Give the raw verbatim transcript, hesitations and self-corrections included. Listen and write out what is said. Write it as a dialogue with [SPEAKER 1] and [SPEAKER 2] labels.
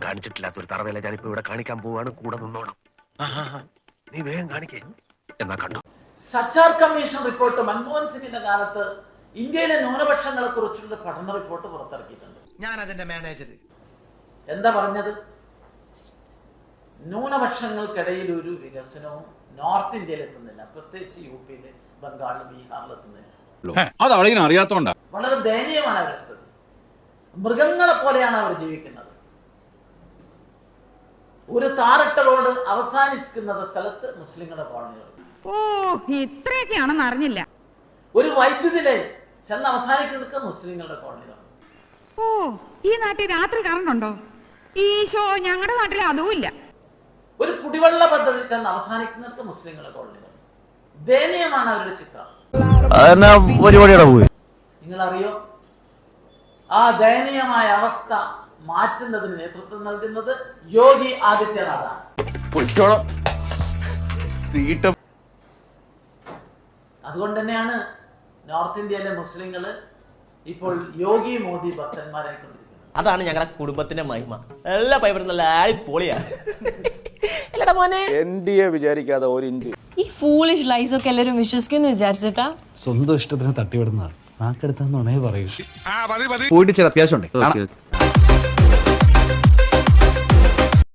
[SPEAKER 1] കാണിച്ചിട്ടില്ലാത്ത ഒരു തറവേല ഞാനിപ്പോ ഇവിടെ കാണിക്കാൻ പോവാണ്. കൂടെ നിന്നോണം. നീ വേഗം കാണിക്കേ. എന്നാ കണ്ടോ
[SPEAKER 2] സച്ചാർ കമ്മീഷൻ റിപ്പോർട്ട് മൻമോഹൻ സിംഗിന്റെ കാലത്ത് ഇന്ത്യയിലെ ന്യൂനപക്ഷങ്ങളെ കുറിച്ചുള്ള പഠന റിപ്പോർട്ട് പുറത്തിറക്കിയിട്ടുണ്ട്.
[SPEAKER 3] ഞാൻ അതിന്റെ മാനേജർ.
[SPEAKER 2] എന്താ പറഞ്ഞത്? ന്യൂനപക്ഷങ്ങൾക്കിടയിൽ ഒരു വികസനവും നോർത്ത് ഇന്ത്യയിൽ എത്തുന്നില്ല, പ്രത്യേകിച്ച് യു പിയില്, ബംഗാളിൽ, ബീഹാറിൽ എത്തുന്നില്ല.
[SPEAKER 4] അറിയാത്തോണ്ടാ.
[SPEAKER 2] വളരെ ദയനീയമാണ് അവരുടെ സ്ഥിതി. മൃഗങ്ങളെ പോലെയാണ് അവർ ജീവിക്കുന്നത്. ഒരു താറിട്ട റോഡ് അവസാനിക്കുന്നത് സ്ഥലത്ത് മുസ്ലിങ്ങളുടെ കോളനികൾ.
[SPEAKER 5] ഓ, ഇത്രയൊക്കെയാണെന്ന് അറിഞ്ഞില്ല.
[SPEAKER 2] ഒരു വൈദ്യുതി ലൈൻ ചെന്ന് അവസാനിക്കുന്നത് മുസ്ലിങ്ങളുടെ കോളനികൾ.
[SPEAKER 5] ഓ, ഈ നാട്ടിൽ രാത്രി കറണ്ട് ഉണ്ടോ? ഈശോ, ഞങ്ങളുടെ നാട്ടിൽ അതും ഇല്ല.
[SPEAKER 2] ഒരു കുടിവെള്ള പദ്ധതി ചെന്ന് അവസാനിക്കുന്നത് മുസ്ലിങ്ങളുടെ കോളനികൾ. ദയനീയമാണ് അവരുടെ ചിത്രം. നിങ്ങൾ അറിയോ, ആ ദയനീയമായ അവസ്ഥ മാറ്റുന്നതിന് നേതൃത്വം നൽകുന്നത് യോഗി ആദിത്യനാഥാണ്. അതുകൊണ്ട് തന്നെയാണ് നോർത്ത് ഇന്ത്യയിലെ മുസ്ലിങ്ങള് ഇപ്പോൾ യോഗി മോദി ഭക്തന്മാരായിക്കൊണ്ടിരിക്കുന്നത്.
[SPEAKER 6] അതാണ് ഞങ്ങളുടെ കുടുംബത്തിന്റെ മഹിമ. എല്ലാ പൈപ്പറും നല്ല പൊളിയാ.
[SPEAKER 7] വിചാരിക്കാതെ ഒരു ഇഞ്ച്
[SPEAKER 8] ഈ ഫൂളിഷ് ലൈസ് ഒക്കെ എല്ലാവരും വിശ്വസിക്കുന്നു വിചാരിച്ചിട്ടാ?
[SPEAKER 9] സ്വന്തം ഇഷ്ടത്തിന് തട്ടിവിടുന്ന നാക്കെടുത്താന്നുണേ പറയൂ.
[SPEAKER 4] പോയിട്ട് ചില അത്യാവശ്യം ഉണ്ട്.